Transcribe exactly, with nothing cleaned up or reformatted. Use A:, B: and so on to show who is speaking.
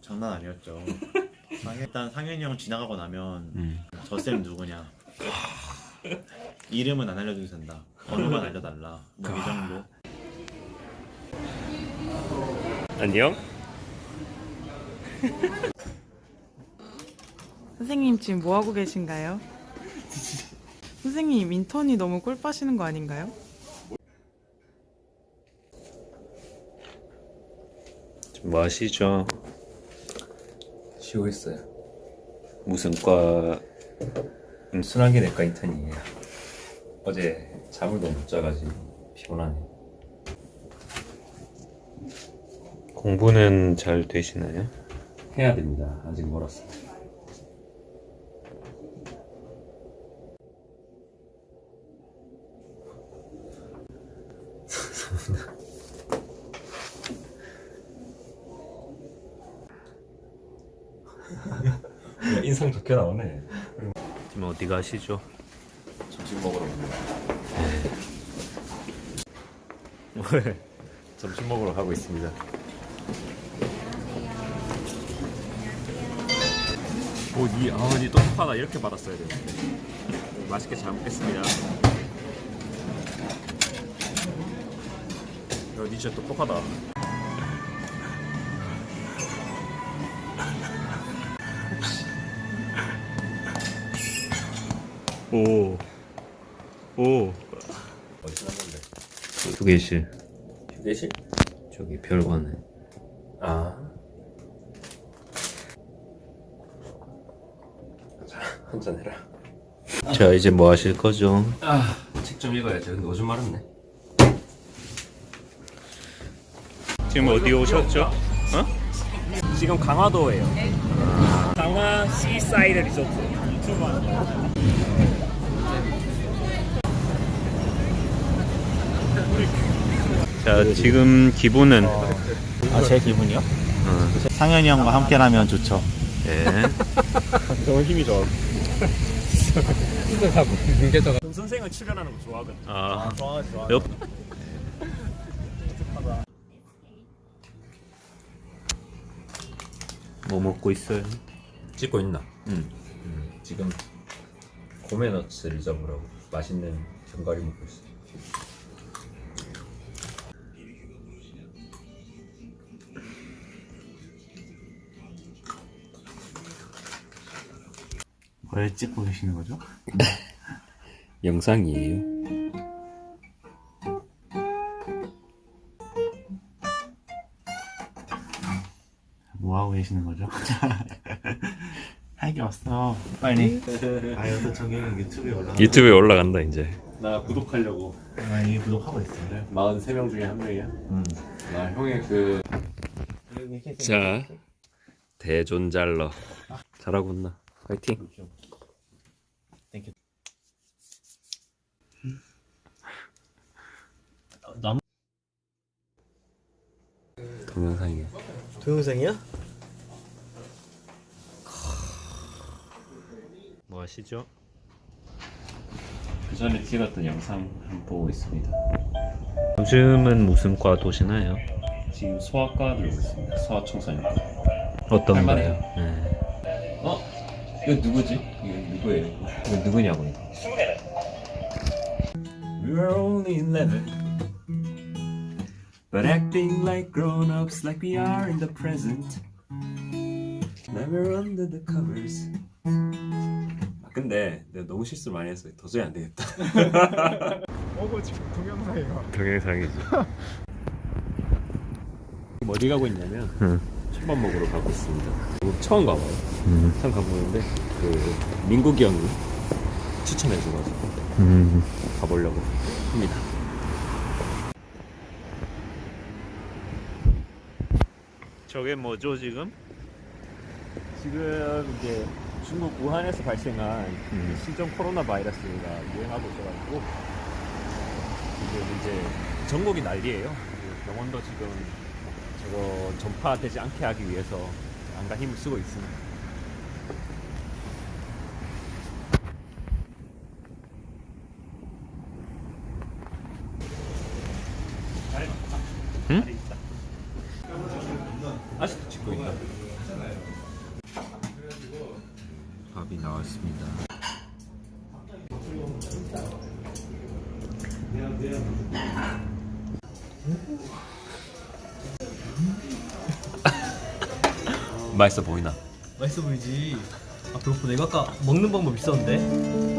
A: 장난 아니었죠. 상- 일단 상현이 형 지나가고 나면
B: 음.
A: 저 쌤 누구냐, 이름은 안 알려줘도 된다, 번호만 알려달라, 뭐 이 정도.
B: 안녕?
C: 선생님 지금 뭐 하고 계신가요? 선생님 인턴이 너무 꿀 빠시는 거 아닌가요?
B: 뭐 하시죠?
D: 쉬고 있어요.
B: 무슨 과?
D: 음, 순환계 내과 인턴이에요. 어제 잠을 너무 못 자가지고 피곤하네.
B: 공부는 잘 되시나요?
D: 해야 됩니다. 아직 멀었어. 인상 좋게 나오네.
B: 지금 어디 가시죠?
D: 점심 먹으러 갑니다.
B: 왜?
D: 점심 먹으러 가고 있습니다.
B: 오, 니, 아, 니 똑똑하다. 이렇게 받았어야 되는데. 맛있게 잘 먹겠습니다. 야, 니 진짜 똑똑하다. 오, 오.
D: 어디서 난 건데?
B: 휴게실.
D: 휴게실?
B: 저기 별관에.
D: 아. 자, 한잔 해라.
B: 자, 이제 뭐 하실 거죠?
D: 아, 책 좀 읽어야죠. 근데 오줌 마렵네.
B: 지금 어디 오셨죠? 어? 지금 강화도예요. 강화 시사이드 리조트. 자, 지금 기분은
A: 아, 제 기분이요?
B: 어,
A: 상현이 형과 함께라면 좋죠.
B: 예.
D: 너무 힘이 좋아.
B: 선생을 출연하는 거 좋아하거든. 아,
A: 좋아, 좋아.
B: 옆. 뭐 먹고 있어요?
D: 찍고 있나?
B: 응.
D: 음, 지금 고메너츠를 잡으라고 맛있는 견과류 먹고 있어.
A: 뭘 찍고 계시는 거죠?
D: 영상이에요.
A: 뭐 하고 계시는 거죠? 할 게 없어. 빨리. 아, 여기서 저기 유튜브에 올라가.
B: 유튜브에 올라간다 이제.
D: 나 구독하려고.
A: 아, 이게 구독하고 있어요.
D: 사십삼 명 중에 한 명이야?
A: 음.
D: 나 형의 그
B: 자, 대존잘러. 잘하고 있나? 화이팅.
A: 땡큐. 남
D: 동영상이야.
A: 동영상이야?
B: 뭐 하시죠?
D: 그 전에 찍었던 영상 한번 보고 있습니다.
B: 요즘은 무슨 과 도시나요?
D: 지금 소아과 들고 있습니다. 소아청소년과.
B: 어떤
D: 할만해요.
B: 거요? 네.
D: 어? 이거 누구지? 이거 누구예요? 이거 누구냐고 이거. We were only eleven, but acting like grown-ups, like we are in the present. Never under the covers. 아, 근데 내가 너무 실수 많이 했어. 도저히 안 되겠다.
E: 어거 지금 동영상이에요.
B: 동영상이지.
D: 어디 가고 있냐면
B: 응.
D: 초밥 먹으러 가고 있습니다. 처음 가봐요.
B: 음.
D: 처음 가보는데 그 민국이 형이 추천해줘가지고
B: 음.
D: 가보려고 합니다.
B: 저게 뭐죠 지금?
E: 지금 이제 중국 우한에서 발생한
B: 음.
E: 신종 코로나 바이러스가 유행하고 있어가지고 지금 이제 전국이 난리예요. 그 병원도 지금 저거 전파되지 않게 하기 위해서 안간 힘을 쓰고 있습니다.
B: 응?
D: 아직도 찍고 있다. 맛있어 보이나?
F: 맛있어 보이지. 아, 그렇고 내가 아까 먹는 방법 있었는데.